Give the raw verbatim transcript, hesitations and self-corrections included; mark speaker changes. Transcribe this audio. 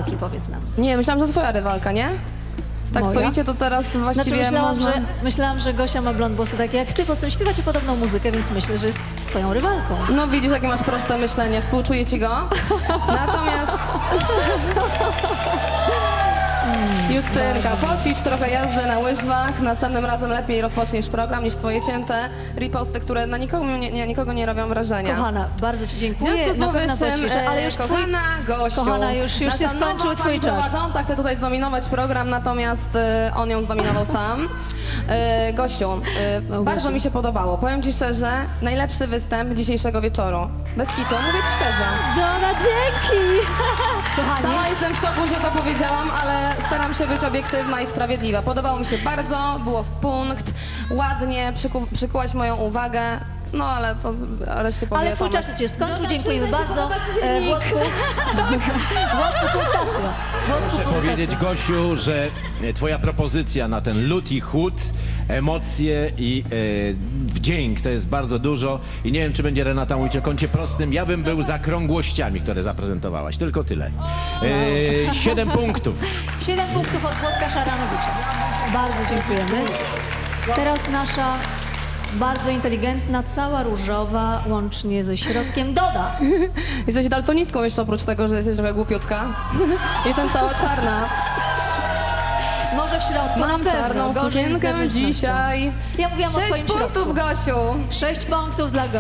Speaker 1: rywalki, powiedz nam.
Speaker 2: Nie, myślałam, że to twoja rywalka, nie? Tak
Speaker 1: Moja?
Speaker 2: stoicie, to teraz właściwie
Speaker 1: Znaczy myślałam,
Speaker 2: można...
Speaker 1: że, myślałam, że Gosia ma blond włosy takie jak ty, po prostu śpiewacie podobną muzykę, więc myślę, że jest twoją rywalką.
Speaker 2: No widzisz, jakie masz proste myślenie, współczuję ci go. Natomiast... Justynka, poćwicz trochę jazdy na łyżwach, następnym razem lepiej rozpoczniesz program niż swoje cięte riposty, które na nikogo nie, nie, nikogo nie robią wrażenia.
Speaker 1: Kochana, bardzo ci
Speaker 2: W
Speaker 1: dziękuję,
Speaker 2: związku z
Speaker 1: na pewno
Speaker 2: powyższym,
Speaker 1: poćwiczę, ale już
Speaker 2: e,
Speaker 1: twój...
Speaker 2: kochana Gosiu,
Speaker 1: Kochana, już- już się
Speaker 2: nasza
Speaker 1: skończył
Speaker 2: nowa
Speaker 1: twój
Speaker 2: pani
Speaker 1: czas.
Speaker 2: prowadząca chce tutaj zdominować program, natomiast e, on ją zdominował sam. E, Gościu, e, bardzo mi się podobało. Powiem ci szczerze, najlepszy występ dzisiejszego wieczoru. Bez kitu, mówię ci szczerze.
Speaker 1: Dona, dzięki! Kochani,
Speaker 2: Sama jestem w szoku, że to powiedziałam, ale staram się być obiektywna i sprawiedliwa. Podobało mi się bardzo, było w punkt, ładnie, przyku, przykułaś moją uwagę. No ale to reszcie powie
Speaker 1: ale twój
Speaker 2: Tomek.
Speaker 1: czas się skończył,
Speaker 3: No,
Speaker 1: dziękujemy
Speaker 3: przyznaj się,
Speaker 1: bardzo.
Speaker 3: podoba ci się
Speaker 1: E,
Speaker 3: nick.
Speaker 1: Włodku, Włodku, punktacja. Włodku,
Speaker 4: Muszę
Speaker 1: punktacja.
Speaker 4: powiedzieć, Gosiu, że e, twoja propozycja na ten lód i chłód, emocje i e, wdzięk to jest bardzo dużo i nie wiem, czy będzie Renata mówić o kącie prostym. Ja bym był za krągłościami, które zaprezentowałaś. Tylko tyle. E, siedem punktów.
Speaker 1: Siedem punktów od Włodka Szaranowicza. Bardzo dziękujemy. Teraz nasza bardzo inteligentna, cała różowa, łącznie ze środkiem, Doda.
Speaker 2: Jesteś daltonistką jeszcze oprócz tego, że jesteś trochę głupiutka. Jestem cała czarna.
Speaker 1: Może w środku, na
Speaker 2: Mam
Speaker 1: pewno.
Speaker 2: czarną
Speaker 1: gorzej z
Speaker 2: sukienkę
Speaker 1: zewnętrznością.
Speaker 2: dzisiaj.
Speaker 1: Ja mówiłam o
Speaker 2: Sześć
Speaker 1: twoim
Speaker 2: punktów,
Speaker 1: środku.
Speaker 2: Gosiu.
Speaker 1: Sześć punktów dla Gosi.